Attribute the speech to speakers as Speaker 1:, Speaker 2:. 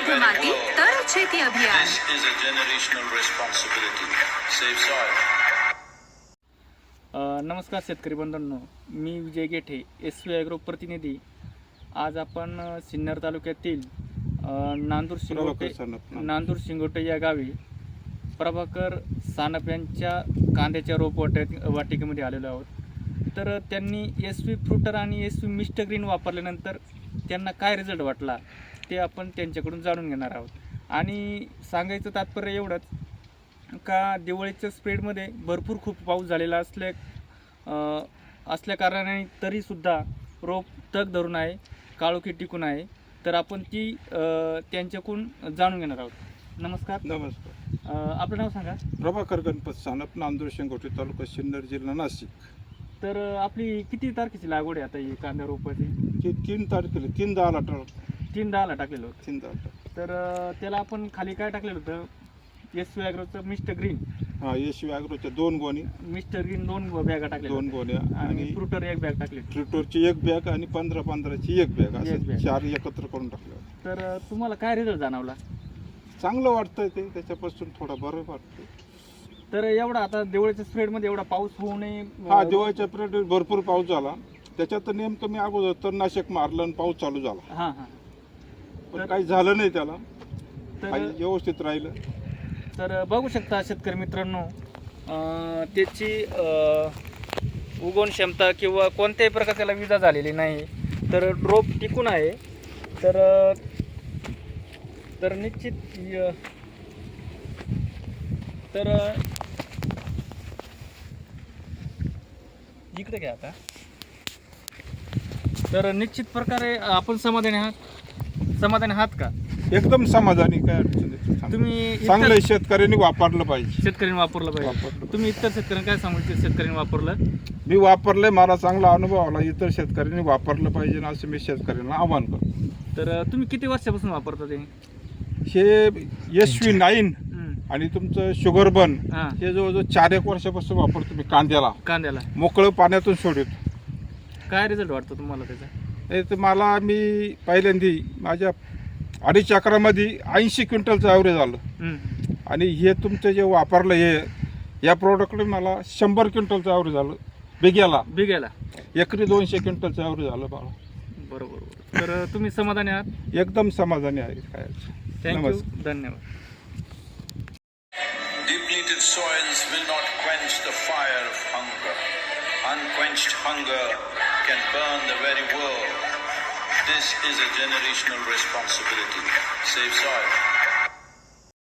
Speaker 1: शुद्ध माती तरच शेती अभियान.
Speaker 2: This is a generational responsibility. Save soil.
Speaker 3: नमस्कार शेतकरी बंधूंनो, मी विजय गेठे, SV ॲग्रो प्रतिनिधी. आज आपण सिन्नर तालुक्यातील नांदूर शिंगोटे या गावी प्रभाकर सानप यांच्या कांद्याच्या रोप वाटिकेमध्ये आलेलो आहोत. तर त्यांनी SV फ्रुटर आणि SV मिस्टर ग्रीन वापरल्यानंतर त्यांना काय रिझल्ट वाटला ते आपण त्यांच्याकडून जाणून घेणार आहोत. आणि सांगायचं तात्पर्य एवढंच का दिवाळीच्या स्प्रेडमध्ये भरपूर खूप पाऊस झालेला असल्या कारणाने तरीसुद्धा रोप तग धरून आहे, काळोखी टिकून आहे. तर आपण ती त्यांच्याकडून जाणून घेणार आहोत. नमस्कार. आपलं नाव सांगा.
Speaker 4: प्रभाकर गणपत सानप, नांदूर शिंगोटे, तालुका सिन्नर, जिल्हा नाशिक.
Speaker 3: तर आपली किती तारखेची लागवड आहे आता ही कांदा रोपाची?
Speaker 4: 3 तारखेला 3/10ला
Speaker 3: 3/10ला टाकलेलं होतं.
Speaker 4: 3/10.
Speaker 3: तर त्याला आपण खाली काय टाकलेलं होतं? SV ॲग्रोचं मिस्टर ग्रीन.
Speaker 4: हा, SV ॲग्रोच्या 2 गोणी,
Speaker 3: मिस्टर ग्रीन 2 बॅगा टाकल्या,
Speaker 4: 2 गोण्या
Speaker 3: आणि फ्रुटर 1 बॅग टाकली.
Speaker 4: फ्रुटरची 1 बॅग आणि 15-15ची 1 बॅग, असं 4 एकत्र करून टाकलं.
Speaker 3: तर तुम्हाला काय रिझल्ट जाणवला?
Speaker 4: चांगलं वाटतंय ते, त्याच्यापासून थोडं बरं वाटतं.
Speaker 3: तर एवढा आता दिवाळीच्या स्प्रेडमध्ये एवढा पाऊस होऊ नये.
Speaker 4: हा, दिवाळीच्या पिरियड भरपूर पाऊस झाला, त्याच्यात नेमकं मी अगोदर तणनाशक मारलं आणि पाऊस चालू झाला.
Speaker 3: हां हां.
Speaker 4: पण काही झालं नाही त्याला,
Speaker 3: तर
Speaker 4: व्यवस्थित राहिलं.
Speaker 3: तर बघू शकता शेतकरी मित्रांनो, त्याची उगवण क्षमता किंवा कोणत्याही प्रकार त्याला विजा झालेली नाही. तर ड्रोप टिकून आहे. तर निश्चित तर इकडे घ्या आता. तर निश्चित प्रकारे आपण समाधानी आहात का?
Speaker 4: एकदम समाधानी, काय अडचण नाही.
Speaker 3: तुम्ही
Speaker 4: चांगलं शेतकऱ्यांनी वापरलं पाहिजे.
Speaker 3: शेतकऱ्यांनी वापरलं पाहिजे. तुम्ही इतर शेतकऱ्यांना काय सांगू? शेतकऱ्यांनी वापरलं, मी
Speaker 4: वापरलंय, मला चांगला अनुभव आला. इतर शेतकऱ्यांनी वापरलं पाहिजे ना, असं मी शेतकऱ्यांना आवाहन करतो.
Speaker 3: तर तुम्ही किती वर्षापासून वापरता ते?
Speaker 4: हे SV 9 आणि तुमचं शुगर बन हे जवळजवळ 4-1 वर्षापासून वापरतो मी कांद्याला. मोकळं पाण्यातून सोडतो.
Speaker 3: काय रिझल्ट वाटतो तुम्हाला त्याचा?
Speaker 4: हे तर मी पहिल्यांदा माझ्या 2.5 एकरामध्ये 80 क्विंटलचं ॲव्हरेज आलं. आणि हे तुमचं जे वापरलं या प्रोडक्टने मला 100 क्विंटलचं ॲव्हरेज आलं. बिग्याला एकरी 200 क्विंटलचं ॲव्हरेज आलं मला.
Speaker 3: बरोबर. तर तुम्ही समाधानी आहात?
Speaker 4: एकदम समाधानी आहे. काय
Speaker 3: थँक्यू, धन्यवाद.
Speaker 2: Depleted soils will not quench the fire of hunger. Unquenched hunger can burn the very world. This is a generational responsibility. Save soil.